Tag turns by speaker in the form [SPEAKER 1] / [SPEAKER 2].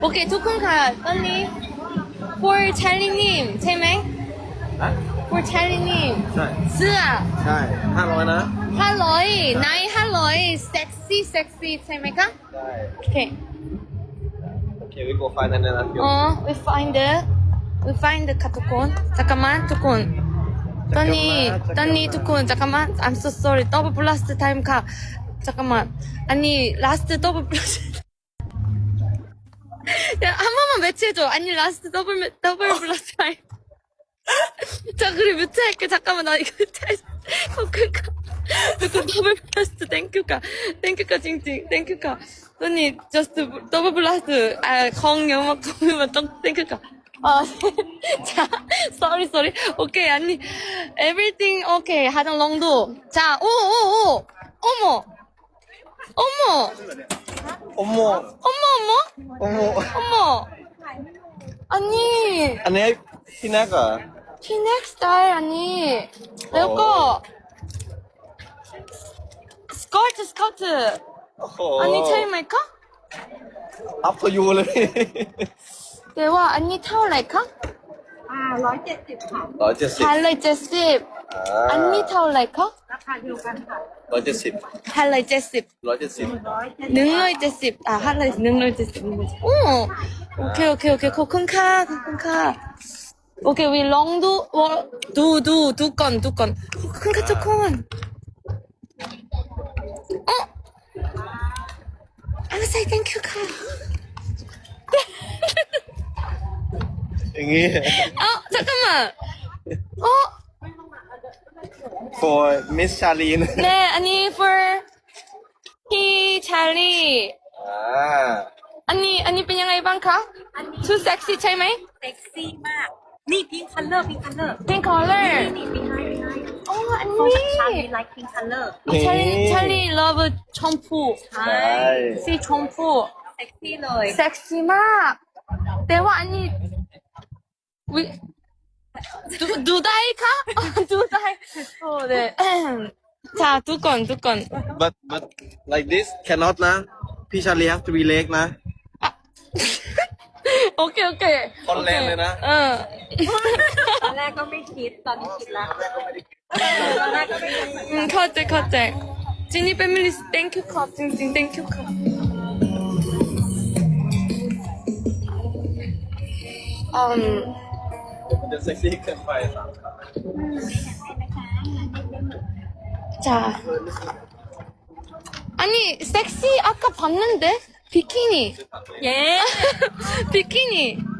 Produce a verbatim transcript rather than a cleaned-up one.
[SPEAKER 1] โอเคทุกคนค่ะตอนนี้ for ชาลีนิมใช่ไหม
[SPEAKER 2] ฮะ
[SPEAKER 1] for ชาลีนิม
[SPEAKER 2] ใช่
[SPEAKER 1] เสื้อ
[SPEAKER 2] ใช่ห้าร้อยนะ
[SPEAKER 1] ห้าร้อยนายห้าร้อยเซ็กซี่เซ็กซี่ใช่ไหมคะ
[SPEAKER 2] ได้
[SPEAKER 1] โอเค
[SPEAKER 2] โอเควิโกไฟนั่นนะพี่
[SPEAKER 1] อ๋อ we find the we find the ค่ะทุกคนจักรมันทุกคนตอนนี้ตอนนี้ทุกคนจักรมัน I'm so sorry double plus time ค่ะจักรมันอันนี้ last double plus 야, 한 번만 매치해줘. 아니, 라스트 더블, 매, 더블 플러스 타임. 자, 그래, 뮤트할게. 잠깐만, 나 이거 뮤트할, 어, 그니까. 그니까, 더블 플러스, 땡큐가. 땡큐가, 찡찡. 땡큐가. 언니, 저스트, 더블 플러스, 아, 공영막, 공영막, 땡큐가. 아, 자, sorry, sorry. 오케이, 아니, everything, 오케이. 하정 롱도. 자, 오, 오, 오. 어머. 어머.
[SPEAKER 2] 어머
[SPEAKER 1] 어머, 어머.
[SPEAKER 2] 어머
[SPEAKER 1] 어머! 아니,
[SPEAKER 2] อันนี้พี่แน็กเหรอ
[SPEAKER 1] 티넥 스타일 아니. 이거 스커트 스커트.
[SPEAKER 2] โอ้โห
[SPEAKER 1] 아니 차이마이카?
[SPEAKER 2] อัพพยูเลย
[SPEAKER 1] 대화 아니 타올라이카?
[SPEAKER 3] อ่าร้อยเจ็ดสิบค่ะ
[SPEAKER 2] ร้อยเจ็ดสิบ
[SPEAKER 1] 할라이 제십.
[SPEAKER 2] อ่า
[SPEAKER 1] 아니 타올라이카?
[SPEAKER 3] ราคาเดียวกันค่ะ
[SPEAKER 2] ร้อยเจ็ดสิบ
[SPEAKER 1] 할라이 제십.
[SPEAKER 2] ร้อยเจ็ดสิบ
[SPEAKER 3] ร้อยเจ็ด
[SPEAKER 1] 능로이 제십. 아 할라이 능로이 제십. 오. 오케이 오케이 오케이. 코쿤카 코쿤카. 오케이 위 롱도 두두 두 건 두 건. 코쿤카 초콘. 어? I'm say thank you, 카.
[SPEAKER 2] อย่างงี้
[SPEAKER 1] 어, 잠깐만. 어?
[SPEAKER 2] for Miss Charlene
[SPEAKER 1] 네, 아니, for 히 찰리.
[SPEAKER 2] อ่า
[SPEAKER 1] 아니, 아니,เป็นยังไง บ้างคะ? too sexy ใช่ไหม?
[SPEAKER 3] เซ็กซี่มาก นี่พิงคัลเลอร์พิงคัลเลอร์
[SPEAKER 1] pink color.
[SPEAKER 3] นี่นี่พิงไฮพิงไฮ
[SPEAKER 1] 어,
[SPEAKER 3] โฟกัสชาลี
[SPEAKER 1] 아니.
[SPEAKER 3] ไลค์พิงคัลเลอร์
[SPEAKER 1] 어, 찰리, 찰리 love 첨푸.
[SPEAKER 3] ใช่
[SPEAKER 2] ใช่
[SPEAKER 1] see 첨푸.
[SPEAKER 3] เซ็กซี่เลย
[SPEAKER 1] 섹시 막. 대화 아니. 위 누 누다이카? 누다이. 어, 네. 자, 두 건, 두 건.
[SPEAKER 2] but but like this cannot นะ พี่ชาลี have to be leg นะ
[SPEAKER 1] 오케이, 오케이.
[SPEAKER 2] คนแรงเลยนะ
[SPEAKER 1] 응.
[SPEAKER 3] ตอนแรกก็ไม่คิด ตอนนี้คิดแล้วตอนแรกก็ไม่คิดเหมือนกัน
[SPEAKER 1] 응, 컷제, 컷제. 지니 패밀리 땡큐 컷, 찡찡 땡큐 컷. 음,
[SPEAKER 2] จะเซ็กซี่เกินไปสาม
[SPEAKER 1] 자. 아니, 섹시 아까 봤는데? 비키니.
[SPEAKER 3] เย้
[SPEAKER 1] 비키니.